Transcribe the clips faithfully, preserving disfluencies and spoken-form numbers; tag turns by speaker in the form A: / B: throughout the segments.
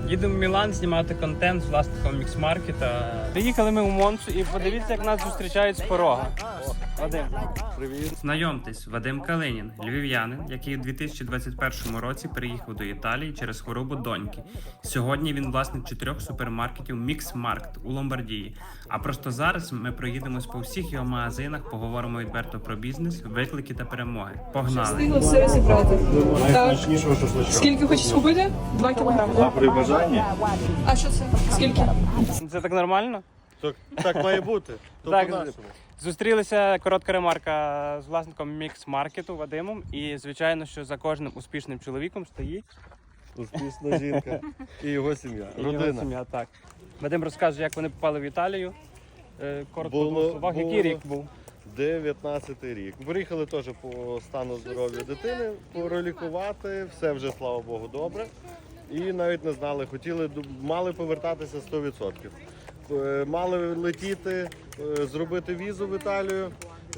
A: Їдемо в Мілан знімати контент з власником мікс-маркета. Приїхали ми у Монцу і подивіться, як нас зустрічають з порога. Вадим.
B: Привіт.
A: Знайомтесь, Вадим Калинін, львів'янин, який у дві тисячі двадцять першому році переїхав до Італії через хворобу доньки. Сьогодні він власник чотирьох супермаркетів Мікс-Маркет у Ломбардії. А просто зараз ми проїдемось по всіх його магазинах, поговоримо відверто про бізнес, виклики та перемоги. Погнали!
C: Встигла все розібрати. Так.
B: Найсмачнішого шашличка.
C: Скільки хочеш купити? Два кілограми.
B: А при бажанні?
C: А що це? Скільки?
A: Це так нормально?
B: Так, так має бути. То
A: Так,
B: по-нашому.
A: Зустрілися, коротка ремарка, з власником мікс-маркету Вадимом. І, звичайно, що за кожним успішним чоловіком стоїть
B: Успішна жінка і його сім'я.
A: і його
B: Родина.
A: сім'я. Так. Вадим розкаже, як вони попали в Італію. Е, Коротко
B: Було-
A: в двох словах, який
B: було-
A: рік був?
B: дев'ятнадцятий рік. Приїхали теж по стану здоров'я дитини, пролікувати, все вже, слава Богу, добре. І навіть не знали, хотіли, мали повертатися сто відсотків. Е, Мали летіти, е, зробити візу в Італію.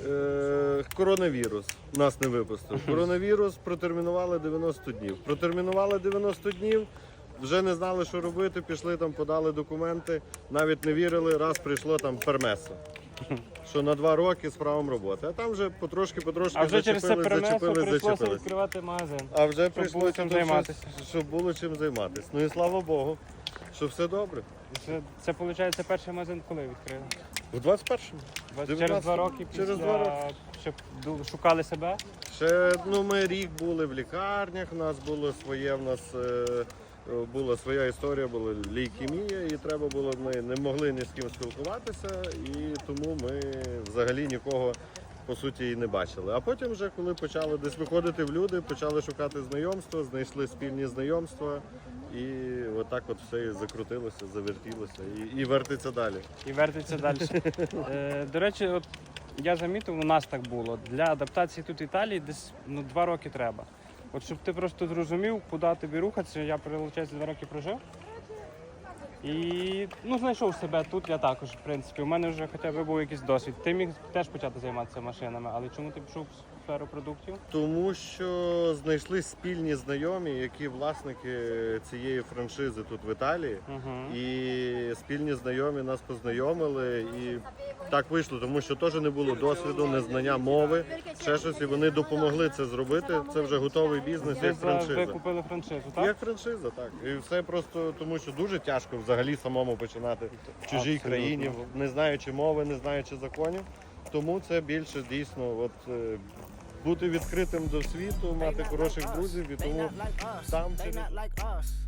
B: Е, Коронавірус нас не випустив. Коронавірус протермінували дев'яносто днів. Протермінували дев'яносто днів, вже не знали, що робити, пішли там, подали документи, навіть не вірили, раз прийшло там пермесо. Що на два роки з правом роботи. А там вже потрошки-потрошки
A: А вже через це
B: зачепились,
A: перенесло,
B: зачепились,
A: прийшлося
B: зачепились.
A: відкривати магазин.
B: А вже
A: Щоб
B: прийшло
A: було чим займатися.
B: Щоб було чим займатися. Ну і слава Богу, що все добре.
A: Це, це виходить, перший магазин коли відкрили?
B: У двадцять першому.
A: Два- Через
B: дев'ятнадцятому.
A: два роки після,
B: Через два роки.
A: щоб ду- шукали себе.
B: Ще ну, ми рік були в лікарнях, у нас було своє, в нас е, була своя історія, була лейкемія, і треба було, ми не могли ні з ким спілкуватися, і тому ми взагалі нікого по суті і не бачили. А потім вже, коли почали десь виходити в люди, почали шукати знайомства, знайшли спільні знайомства, і отак от все і закрутилося, завертілося і, і вертиться далі.
A: І вертиться далі. Е, до речі, от я замітив, у нас так було. Для адаптації тут в Італії десь ну, два роки треба. От щоб ти просто зрозумів, куди тобі рухатися, я, виходить, два роки прожив. І ну, знайшов себе тут, я також, в принципі. У мене вже хоча б був якийсь досвід. Ти міг теж почати займатися машинами, але чому ти пішов в сферу продуктів?
B: Тому що знайшли спільні знайомі, які власники цієї франшизи тут в Італії.
A: Угу.
B: І спільні знайомі нас познайомили, і так вийшло, тому що теж не було досвіду, незнання мови, ще щось, і вони допомогли це зробити. Це вже готовий бізнес,
A: Ви,
B: як
A: за- ви
B: франшиза.
A: купили франшизу, так?
B: Як франшиза, так. І все просто тому, що дуже тяжко взагалі самому починати в чужій
A: Абсолютно.
B: країні, не знаючи мови, не знаючи законів. Тому це більше дійсно от, е, бути відкритим до світу, мати хороших друзів, і тому сам через...